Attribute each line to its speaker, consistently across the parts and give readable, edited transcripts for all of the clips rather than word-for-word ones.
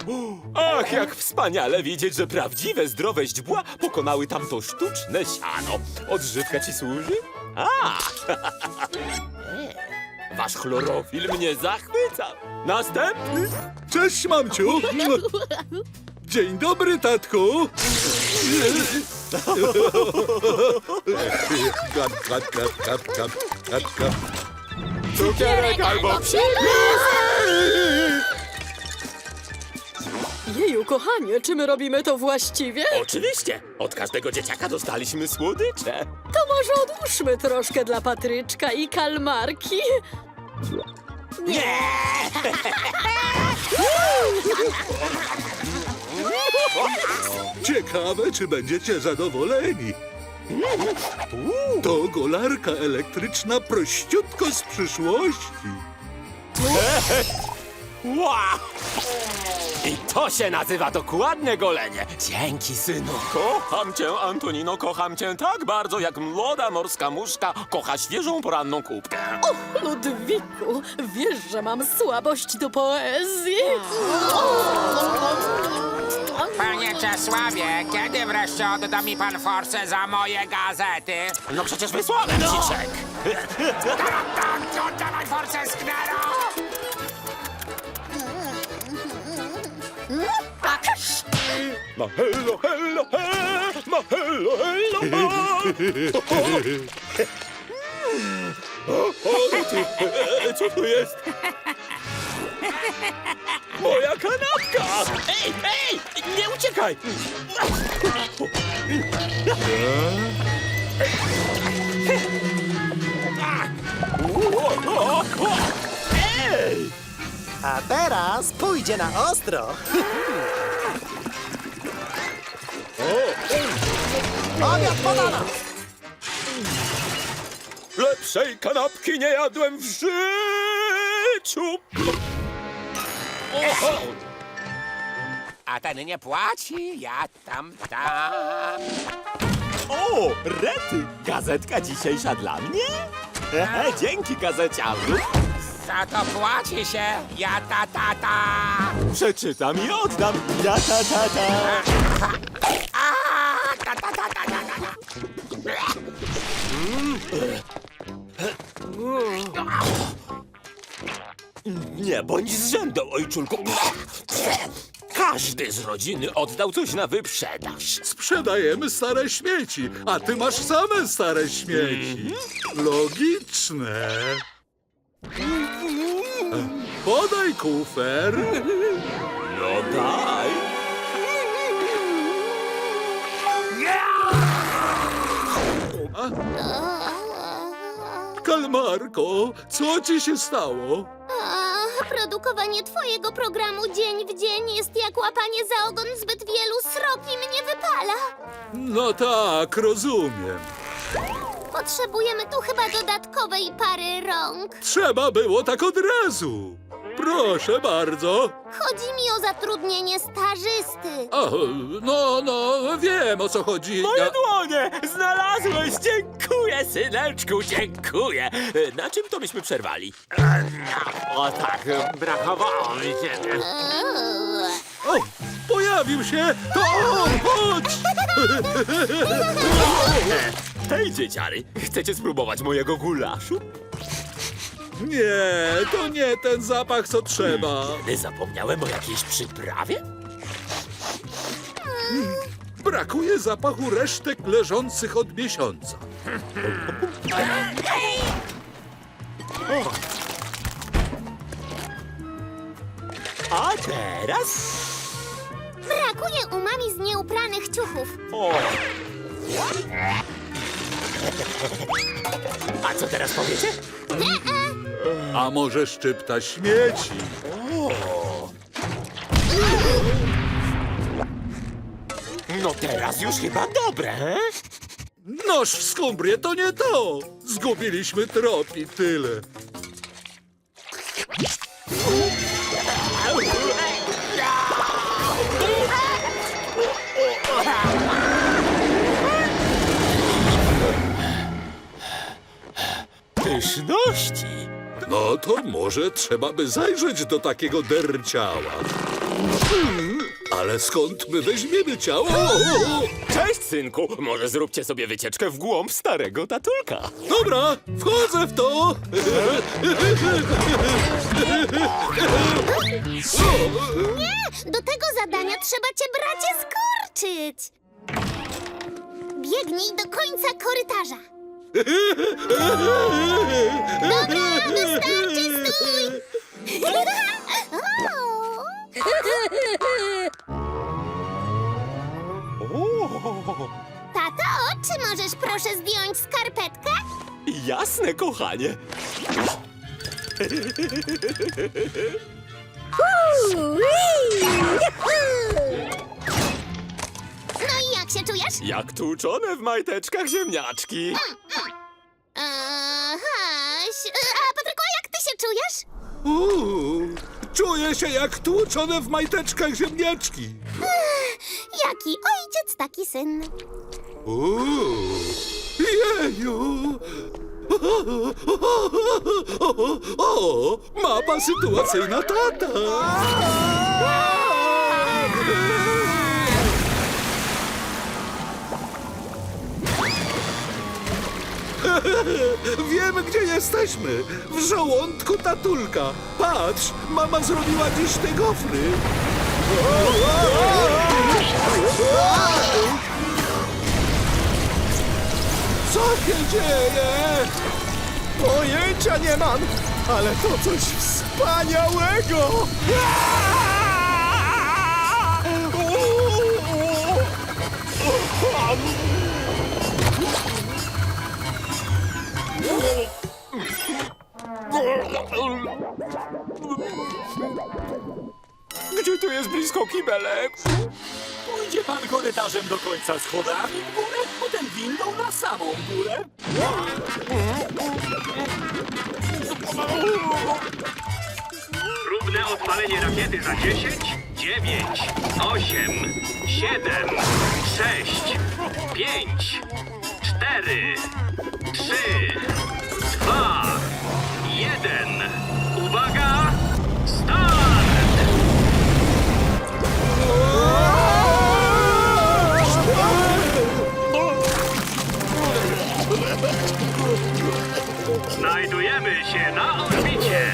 Speaker 1: Ach, jak wspaniale widzieć, że prawdziwe, zdrowe źdźbła pokonały tamto sztuczne siano. Odżywka ci służy? A! Wasz chlorofil mnie zachwyca. Następny.
Speaker 2: Cześć, mamciu! Dzień dobry, tatku! Kap, kap, kap, kap, kap, kap, kap.
Speaker 1: Cukierek albo psi.
Speaker 3: Jeju, kochanie, czy my robimy to właściwie?
Speaker 1: Oczywiście. Od każdego dzieciaka dostaliśmy słodycze.
Speaker 3: To może odłóżmy troszkę dla Patryczka i kalmarki.
Speaker 1: Nie!
Speaker 2: Ciekawe, czy będziecie zadowoleni. To golarka elektryczna prościutko z przyszłości.
Speaker 1: Wow! I to się nazywa dokładnie golenie. Dzięki, synu. Kocham cię, Antonino, kocham cię tak bardzo, jak młoda morska muszka kocha świeżą poranną kubkę.
Speaker 3: Ludwiku, wiesz, że mam słabość do poezji.
Speaker 4: Panie Czesławie, kiedy wreszcie odda mi pan forsę za moje gazety?
Speaker 1: No przecież wysłałem ci czek.
Speaker 4: Tak, oddawaj forsę, Sknero!
Speaker 1: Ma hello, hello, he, ma hello, hello, ma. Co to jest? Moja kanapka! Ej, ej, nie uciekaj! Ej!
Speaker 5: A teraz pójdzie na ostro. Obiad podano!
Speaker 1: Lepszej kanapki nie jadłem w życiu! Oho!
Speaker 4: A ten nie płaci, ja tam.
Speaker 1: O, rety! Gazetka dzisiejsza dla mnie? Dzięki, gazeciarzu!
Speaker 4: Za to płaci się, ja ta.
Speaker 1: Przeczytam i oddam. Ja ta.
Speaker 4: A, ta.
Speaker 1: Nie bądź zrzędą, ojczulku. Każdy z rodziny oddał coś na wyprzedaż.
Speaker 2: Sprzedajemy stare śmieci, a ty masz same stare śmieci. Logiczne. Podaj kufer.
Speaker 1: No daj.
Speaker 2: Kalmarko, co ci się stało?
Speaker 6: Produkowanie twojego programu dzień w dzień jest jak łapanie za ogon zbyt wielu srogi mnie wypala.
Speaker 2: No tak, rozumiem.
Speaker 6: Potrzebujemy tu chyba dodatkowej pary rąk.
Speaker 2: Trzeba było tak od razu. Proszę bardzo.
Speaker 6: Chodzi mi o zatrudnienie stażysty.
Speaker 2: O, no, wiem o co chodzi.
Speaker 1: Moje dłonie! Znalazłeś! Dziękuję, syneczku, dziękuję! Na czym to myśmy przerwali? O tak, brakowało mi cię.
Speaker 2: O, pojawił się! To on! Chodź!
Speaker 1: Hej, dzieciary, chcecie spróbować mojego gulaszu?
Speaker 2: Nie, to nie ten zapach, co trzeba.
Speaker 1: Kiedy zapomniałem o jakiejś przyprawie?
Speaker 2: Brakuje zapachu resztek leżących od miesiąca.
Speaker 1: A teraz?
Speaker 6: Brakuje umami z nieupranych ciuchów.
Speaker 1: O! A co teraz powiecie?
Speaker 2: A może szczypta śmieci?
Speaker 1: No teraz już chyba dobre, he?
Speaker 2: Noż w skumbrię to nie to. Zgubiliśmy trop i tyle.
Speaker 1: Pyszności!
Speaker 2: No to może trzeba by zajrzeć do takiego derciała. Ale skąd my weźmiemy ciało?
Speaker 1: Cześć, synku! Może zróbcie sobie wycieczkę w głąb starego tatulka.
Speaker 2: Dobra, wchodzę w to.
Speaker 6: Nie, do tego zadania trzeba cię, bracie, skurczyć. Biegnij do końca korytarza. Dobra, wystarczy, stój! Tato, czy możesz proszę zdjąć skarpetkę?
Speaker 1: Jasne, kochanie.
Speaker 6: No i jak się czujesz?
Speaker 1: Jak tłuczone w majteczkach ziemniaczki.
Speaker 6: A Patryku, jak ty się czujesz?
Speaker 2: Czuję się jak tłuczone w majteczkach ziemniaczki.
Speaker 6: Jaki ojciec, taki syn.
Speaker 2: Jeju! O, mapa sytuacyjna tata! Wiemy, gdzie jesteśmy. W żołądku tatulka. Patrz, mama zrobiła dziś te gofry. Co się dzieje?
Speaker 5: Pojęcia nie mam, ale to coś wspaniałego!
Speaker 1: Gdzie tu jest blisko kibelek? Pójdzie pan korytarzem do końca schodami w górę, potem windą na samą górę.
Speaker 7: Próbne odpalenie rakiety za 10, 9, 8, 7, 6, 5, 4, 3, 2, 1. Uwaga! Start! Znajdujemy się na orbicie.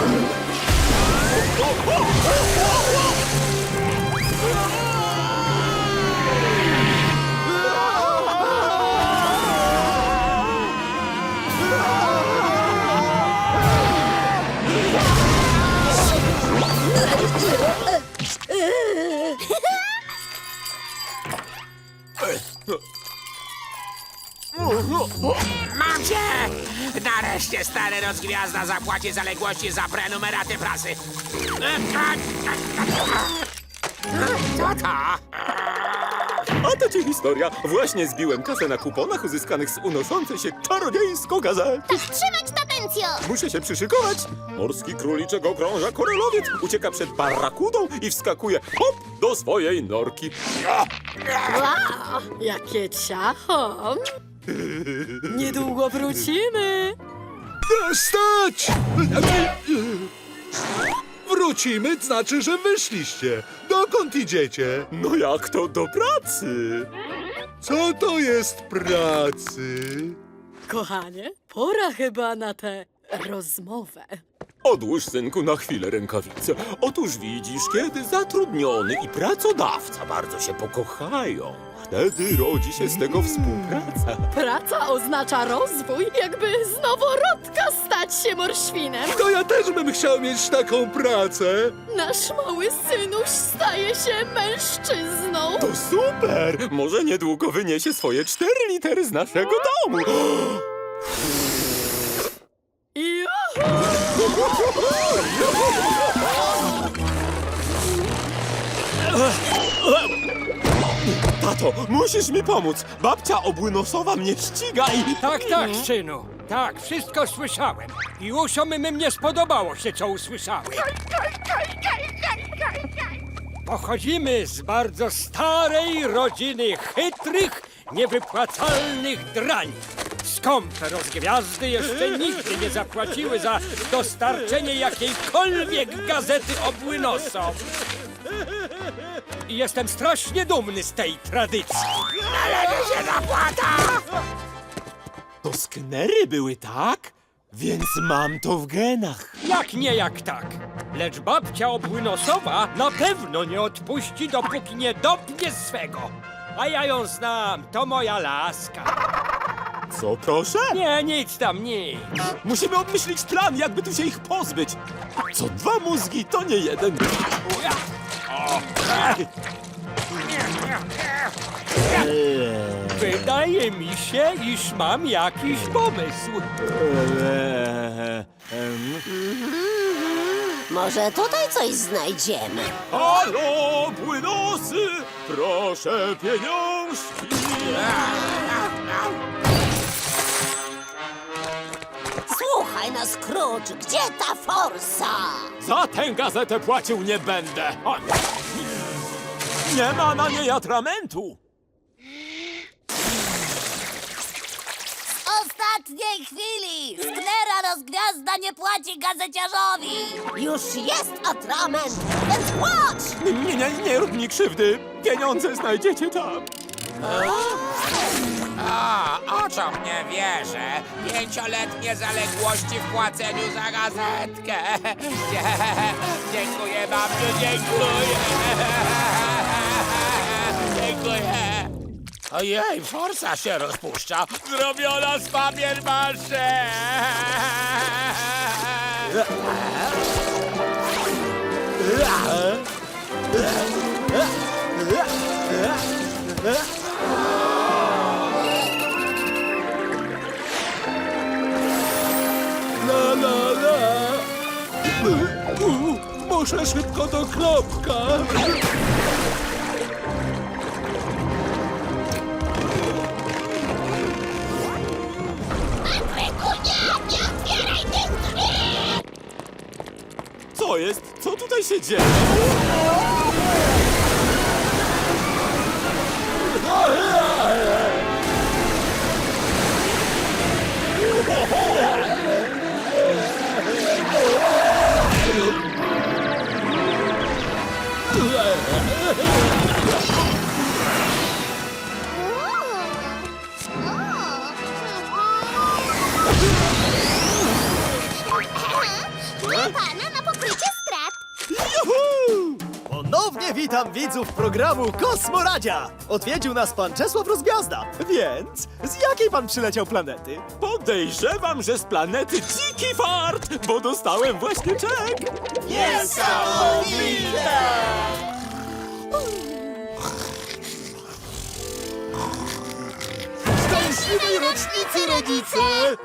Speaker 4: Mam cię! Nareszcie stary rozgwiazda zapłaci zaległości za prenumeraty prasy. Co to?
Speaker 1: A to ci historia. Właśnie zbiłem kasę na kuponach uzyskanych z unoszącej się czarodziejsko gazety.
Speaker 6: Tak trzymać, tatencjo!
Speaker 1: Muszę się przyszykować. Morski króliczek okrąża korelowiec, ucieka przed barakudą i wskakuje hop do swojej norki.
Speaker 3: Wow, jakie ciacho! Niedługo wrócimy.
Speaker 2: Stać! Wrócimy, znaczy, że wyszliście. Dokąd idziecie?
Speaker 1: No jak to do pracy?
Speaker 2: Co to jest pracy?
Speaker 3: Kochanie, pora chyba na tę rozmowę.
Speaker 1: Odłóż, synku, na chwilę rękawice. Otóż widzisz, kiedy zatrudniony i pracodawca bardzo się pokochają, wtedy rodzi się z tego współpraca.
Speaker 3: Praca oznacza rozwój, jakby z noworodka stać się morświnem.
Speaker 2: To ja też bym chciał mieć taką pracę.
Speaker 3: Nasz mały synuś staje się mężczyzną.
Speaker 1: To super! Może niedługo wyniesie swoje 4 litery z naszego domu.
Speaker 3: Juhu!
Speaker 1: Tato, musisz mi pomóc. Babcia obłynosowa mnie ściga i...
Speaker 8: Tak, synu. Tak, wszystko słyszałem. I uszom mym nie spodobało się, co usłyszałem. Pochodzimy z bardzo starej rodziny chytrych, niewypłacalnych drani. Skąpe rozgwiazdy jeszcze nigdy nie zapłaciły za dostarczenie jakiejkolwiek gazety obłynosom. I jestem strasznie dumny z tej tradycji.
Speaker 1: To sknery były, tak? Więc mam to w genach.
Speaker 8: Jak nie jak tak. Lecz babcia obłynosowa na pewno nie odpuści, dopóki nie dopnie swego. A ja ją znam, to moja laska.
Speaker 1: Co, proszę?
Speaker 8: Nie, nic tam, nic.
Speaker 1: Musimy obmyślić plan, jakby tu się ich pozbyć. Co dwa mózgi, to nie jeden.
Speaker 8: Wydaje mi się, iż mam jakiś pomysł.
Speaker 9: Może tutaj coś znajdziemy.
Speaker 1: Halo, płynosy! Proszę pieniążki!
Speaker 9: Słuchaj no, Scrooge, gdzie ta forsa?
Speaker 1: Za tę gazetę płacił nie będę. O! Nie ma na niej atramentu.
Speaker 9: Ostatniej chwili! Sknera rozgwiazda nie płaci gazeciarzowi! Już jest atrament, więc płacz!
Speaker 1: Nie rób mi krzywdy. Pieniądze znajdziecie tam.
Speaker 4: Oczom nie wierzę. 5-letnie zaległości w płaceniu za gazetkę. Dziękuję, babciu, dziękuję. Dziękuję. Ojej, forsa się rozpuszcza. Zrobiona z papier masze.
Speaker 2: La la la. Muszę szybko do klopka.
Speaker 1: Co jest? Co tutaj się dzieje?
Speaker 6: Pana na pokrycie strat.
Speaker 5: Ponownie witam widzów programu Kosmoradzia! Odwiedził nas pan Czesław Rozgwiazda, więc z jakiej pan przyleciał planety?
Speaker 1: Podejrzewam, że z planety Dziki Fart, bo dostałem właśnie czek.
Speaker 2: Szczęśliwej rocznicy, rodzice!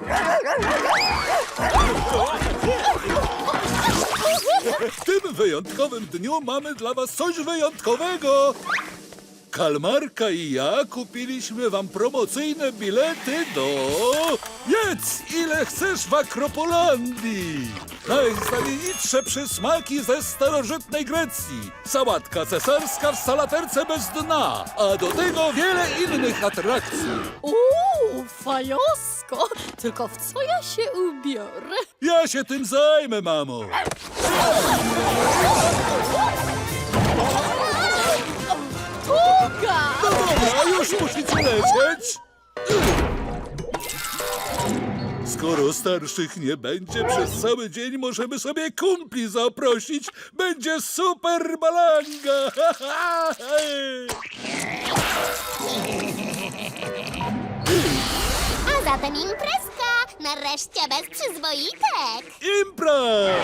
Speaker 2: W tym wyjątkowym dniu mamy dla was coś wyjątkowego. Kalmarka i ja kupiliśmy wam promocyjne bilety do... Jedz ile chcesz w Akropolandii! Najznamienitsze przysmaki ze starożytnej Grecji. Sałatka cesarska w salaterce bez dna, a do tego wiele innych atrakcji.
Speaker 3: Fajosko! Tylko w co ja się ubiorę?
Speaker 2: Ja się tym zajmę, mamo.
Speaker 3: Tuga!
Speaker 2: No dobra, już musicie lecieć. Skoro starszych nie będzie, przez cały dzień możemy sobie kumpli zaprosić. Będzie super balanga!
Speaker 6: A zatem imprezka. Nareszcie bez przyzwoitek.
Speaker 2: Impra!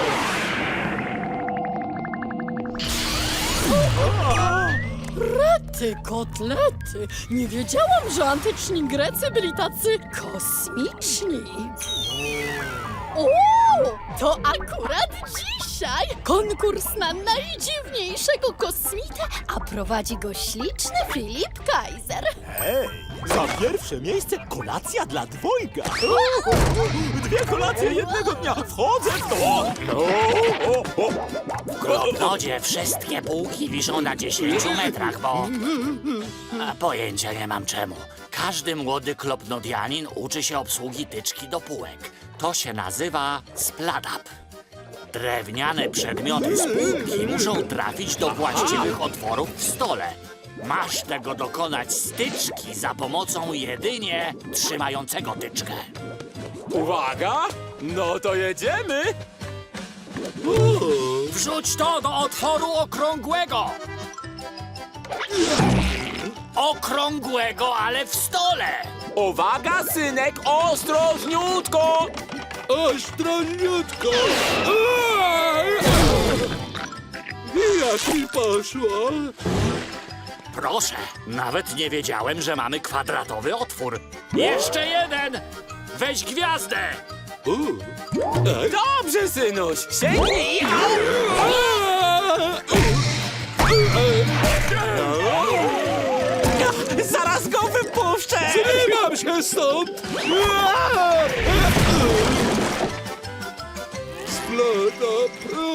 Speaker 3: Rety, kotlety! Nie wiedziałam, że antyczni Grecy byli tacy kosmiczni. O, to akurat dzisiaj konkurs na najdziwniejszego kosmitę, a prowadzi go śliczny Filip Kaiser.
Speaker 1: Za pierwsze miejsce kolacja dla dwojga. 2 kolacje jednego dnia. Wchodzę w to.
Speaker 10: W Globnodzie wszystkie półki wiszą na 10 metrach, bo... Pojęcia nie mam czemu. Każdy młody klopnodianin uczy się obsługi tyczki do półek. To się nazywa spladap. Drewniane przedmioty z półki muszą trafić do właściwych otworów w stole. Masz tego dokonać z tyczki za pomocą jedynie trzymającego tyczkę.
Speaker 1: Uwaga! No to jedziemy!
Speaker 10: Wrzuć to do otworu okrągłego! Okrągłego, ale w stole!
Speaker 1: Uwaga, synek, ostrożniutko!
Speaker 2: Ostrożniutko! Jak mi poszło?
Speaker 10: Proszę, nawet nie wiedziałem, że mamy kwadratowy otwór. Jeszcze jeden! Weź gwiazdę!
Speaker 1: Dobrze, synuś! Sięgnij! Zaraz go wypuszczę!
Speaker 2: Zrywam się stąd! Splata!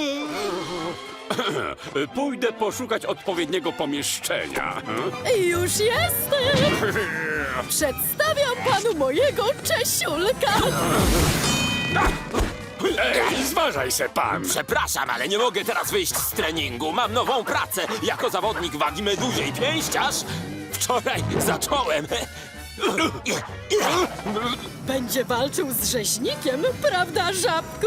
Speaker 1: Pójdę poszukać odpowiedniego pomieszczenia.
Speaker 3: Już jestem! Przedstawiam panu mojego Czesiulka!
Speaker 1: Ej, zważaj se pan! Przepraszam, ale nie mogę teraz wyjść z treningu. Mam nową pracę jako zawodnik wagi meduzie i pięściarz. Wczoraj zacząłem.
Speaker 3: Będzie walczył z rzeźnikiem, prawda, żabku?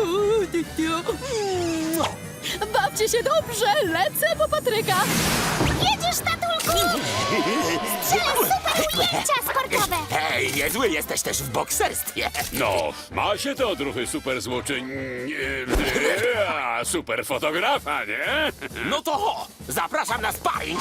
Speaker 3: Bawcie się dobrze, lecę po Patryka!
Speaker 6: Jedziesz, tatulku! Strzelę super ujęcia sportowe!
Speaker 1: Hej, niezły jesteś też w bokserstwie.
Speaker 11: No, ma się to odruchy super super fotografa, nie?
Speaker 1: No to ho, zapraszam na sparring.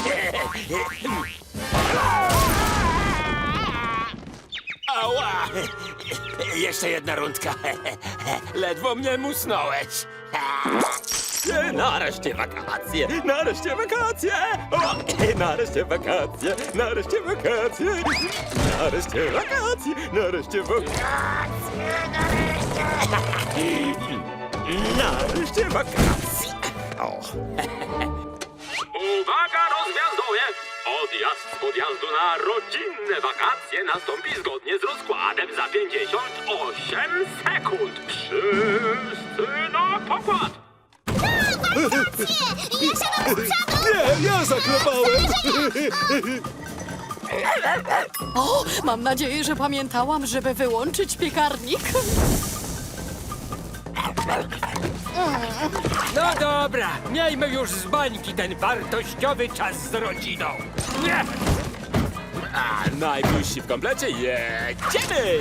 Speaker 1: Ała! Jeszcze jedna rundka. Ledwo mnie musnąłeś. Nareszcie wakacje! Nareszcie wakacje! O, nareszcie wakacje! Nareszcie wakacje! Nareszcie wakacje! Nareszcie wakacje! Nareszcie wakacje! O.
Speaker 7: Uwaga, rozgwiazdowie! Odjazd z podjazdu na rodzinne wakacje nastąpi zgodnie z rozkładem za 58 sekund. Wszyscy na pokład!
Speaker 6: Ja siadam z przodu!
Speaker 2: Nie, ja zaklepałem!
Speaker 3: O, mam nadzieję, że pamiętałam, żeby wyłączyć piekarnik.
Speaker 8: No dobra, miejmy już z bańki ten wartościowy czas z rodziną. Nie!
Speaker 1: A najbliżsi w komplecie jedziemy!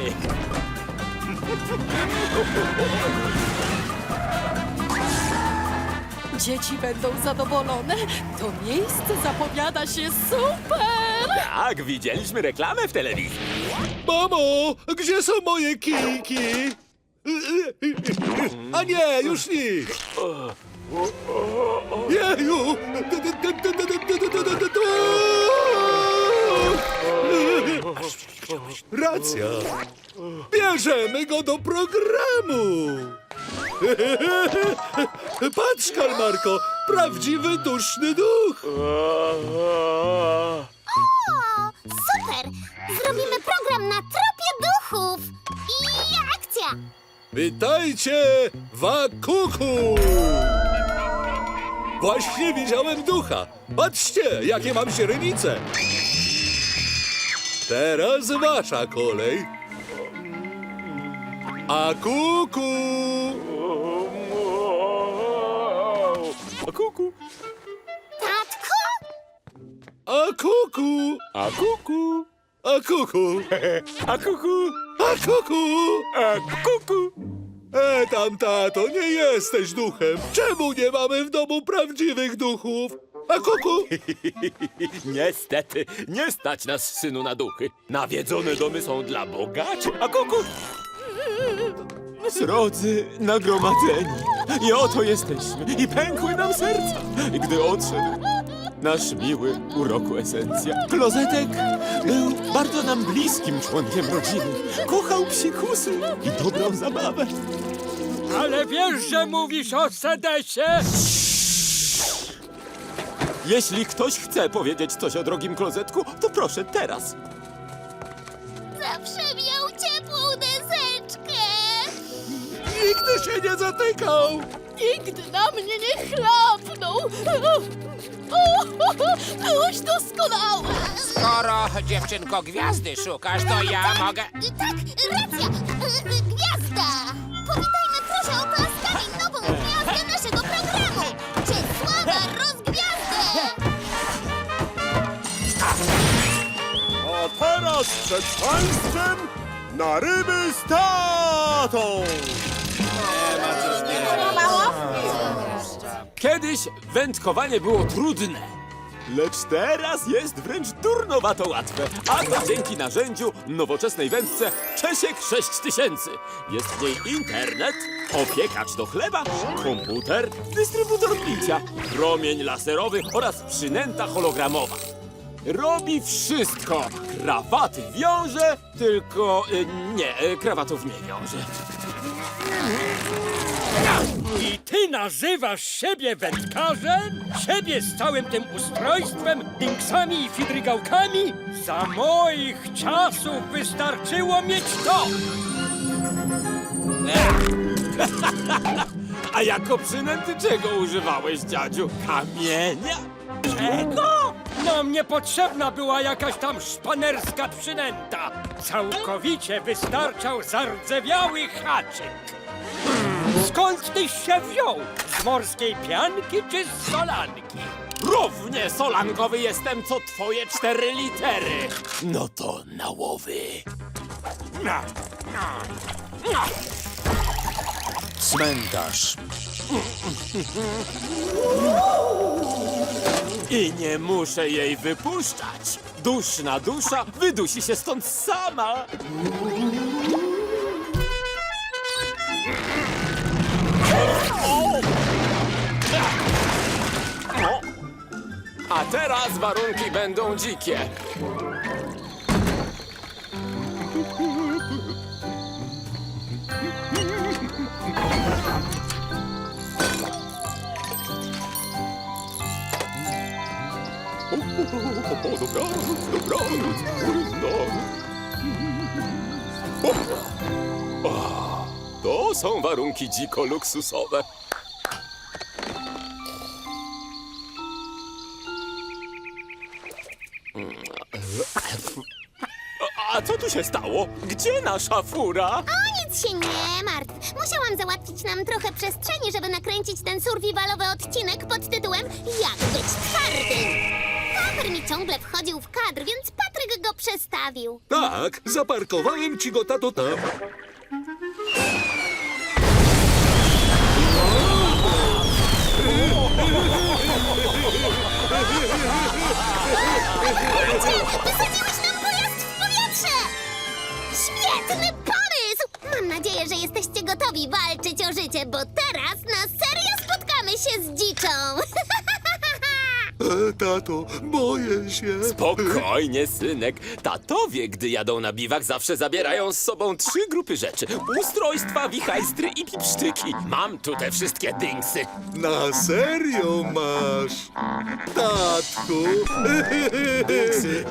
Speaker 3: Dzieci będą zadowolone. To miejsce zapowiada się super!
Speaker 1: Tak, widzieliśmy reklamę w telewizji.
Speaker 2: Mamo, gdzie są moje kijki? A nie, już nikt! Jeju! Racja! Bierzemy go do programu! Patrz, Kalmarko, prawdziwy duszny duch!
Speaker 6: O, super! Zrobimy program na tropie duchów! I akcja!
Speaker 2: Witajcie, Wakuku! Właśnie widziałem ducha. Patrzcie, jakie mam źrenice. Teraz wasza kolej. A kuku!
Speaker 1: A kuku,
Speaker 6: Tatku?
Speaker 2: A kuku!
Speaker 1: a kuku,
Speaker 2: A kuku!
Speaker 1: a kuku,
Speaker 2: A kuku!
Speaker 1: a kuku.
Speaker 2: Tam, tato, nie jesteś duchem. Czemu nie mamy w domu prawdziwych duchów? A kuku!
Speaker 1: Niestety, nie stać nas, synu, na duchy. Nawiedzone domy są dla bogaczy, a kuku... Srodzy nagromadzeni. I oto jesteśmy. I pękły nam serca, gdy odszedł nasz miły urokł esencja. Klozetek był bardzo nam bliskim członkiem rodziny. Kochał psikusy i dobrą zabawę.
Speaker 8: Ale wiesz, że mówisz o sedesie?
Speaker 1: Jeśli ktoś chce powiedzieć coś o drogim klozetku, to proszę teraz.
Speaker 6: Zawsze miał ciepłą deseczkę!
Speaker 2: Nigdy się nie zatykał!
Speaker 3: Nigdy na mnie nie chlapnął. Byłeś doskonały.
Speaker 4: Skoro, dziewczynko, gwiazdy szukasz, to ja mogę...
Speaker 6: Tak, racja! Gwiazda! Powitajmy proszę oklaskami nową gwiazdę naszego programu! Czesława Rozgwiazdę!
Speaker 5: A teraz przed państwem na ryby z tatą!
Speaker 1: Kiedyś wędkowanie było trudne, lecz teraz jest wręcz durnowato łatwe. A to dzięki narzędziu nowoczesnej wędce Czesiek 6000. Jest w niej internet, opiekacz do chleba, komputer, dystrybutor picia, promień laserowy oraz przynęta hologramowa. Robi wszystko. Krawaty wiąże, tylko krawatów nie wiąże.
Speaker 8: I ty nazywasz siebie wędkarzem? Siebie z całym tym ustrojstwem, dinksami i fidrygałkami? Za moich czasów wystarczyło mieć to!
Speaker 1: A jako przynęty czego używałeś, dziadziu? Kamienia? Czego?
Speaker 8: Nam niepotrzebna była jakaś tam szpanerska przynęta. Całkowicie wystarczał zardzewiały haczyk. Skąd tyś się wziął? Z morskiej pianki czy z solanki?
Speaker 1: Równie solankowy jestem, co twoje 4 litery. No to na łowy.
Speaker 5: Cmentarz.
Speaker 1: I nie muszę jej wypuszczać. Duszna dusza wydusi się stąd sama. A teraz warunki będą dzikie. Dobranoc. To są warunki dziko luksusowe. A co tu się stało? Gdzie nasza fura?
Speaker 6: O nic się nie martw. Musiałam załatwić nam trochę przestrzeni, żeby nakręcić ten survivalowy odcinek pod tytułem Jak być twardym. Paper mi ciągle wchodził w kadr, więc Patryk go przestawił.
Speaker 2: Tak, zaparkowałem ci go, tato, tam.
Speaker 6: Wysadziłeś nam pojazd w powietrze! Świetny pomysł! Mam nadzieję, że jesteście gotowi walczyć o życie, bo teraz na serio spotkamy się z dziczą.
Speaker 2: Tato, boję się.
Speaker 1: Spokojnie, synek. Tatowie, gdy jadą na biwak, zawsze zabierają z sobą 3 grupy rzeczy. Ustrojstwa, wichajstry i pipsztyki. Mam tu te wszystkie dingsy.
Speaker 2: Na serio masz? Tatku. Dynksy.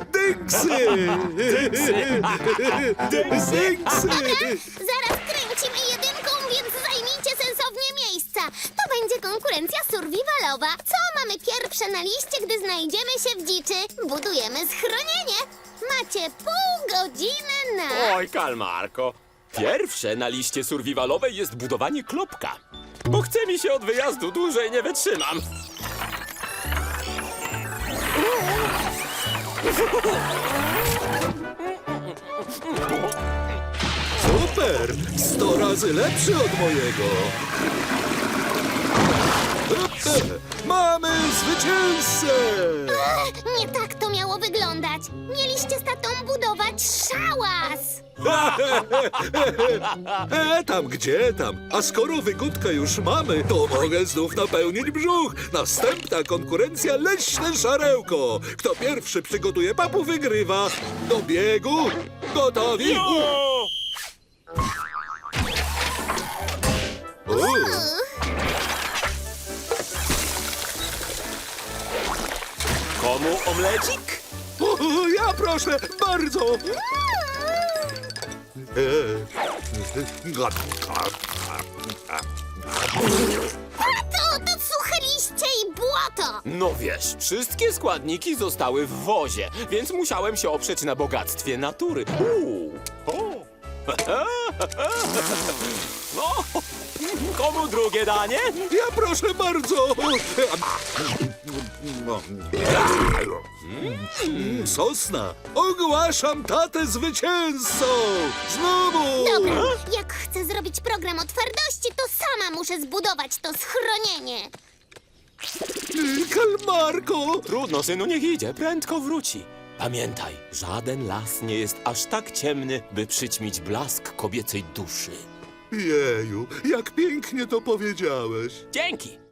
Speaker 2: Dynksy.
Speaker 6: Zaraz kręcimy jedynką, więc zajmijcie sensownie miejsca. To będzie konkurencja survivalowa. Co mamy pierwsze na liście, gdy znajdziemy się w dziczy? Budujemy schronienie. Macie pół godziny na...
Speaker 1: Oj, kalmarko. Pierwsze na liście survivalowej jest budowanie klopka. Bo chce mi się od wyjazdu, dłużej nie wytrzymam.
Speaker 2: Super! 100 razy lepszy od mojego. Mamy zwycięzcę!
Speaker 6: Nie tak to miało wyglądać. Mieliście z tatą budować szałas.
Speaker 2: Tam gdzie tam? A skoro wygódkę już mamy, to mogę znów napełnić brzuch. Następna konkurencja leśne szarełko. Kto pierwszy przygotuje papu, wygrywa. Do biegu. Gotowi?
Speaker 1: Komu omlecik?
Speaker 2: Ja proszę, bardzo.
Speaker 6: Tato, to suche liście i błoto!
Speaker 1: No wiesz, wszystkie składniki zostały w wozie, więc musiałem się oprzeć na bogactwie natury. O. No, komu drugie danie?
Speaker 2: Ja proszę bardzo. Sosna, ogłaszam tatę zwycięzcą! Znowu!
Speaker 6: Dobra, jak chcę zrobić program o twardości, to sama muszę zbudować to schronienie.
Speaker 2: Kalmarko!
Speaker 1: Trudno, synu, niech idzie, prędko wróci. Pamiętaj, żaden las nie jest aż tak ciemny, by przyćmić blask kobiecej duszy.
Speaker 2: Jeju, jak pięknie to powiedziałeś.
Speaker 1: Dzięki!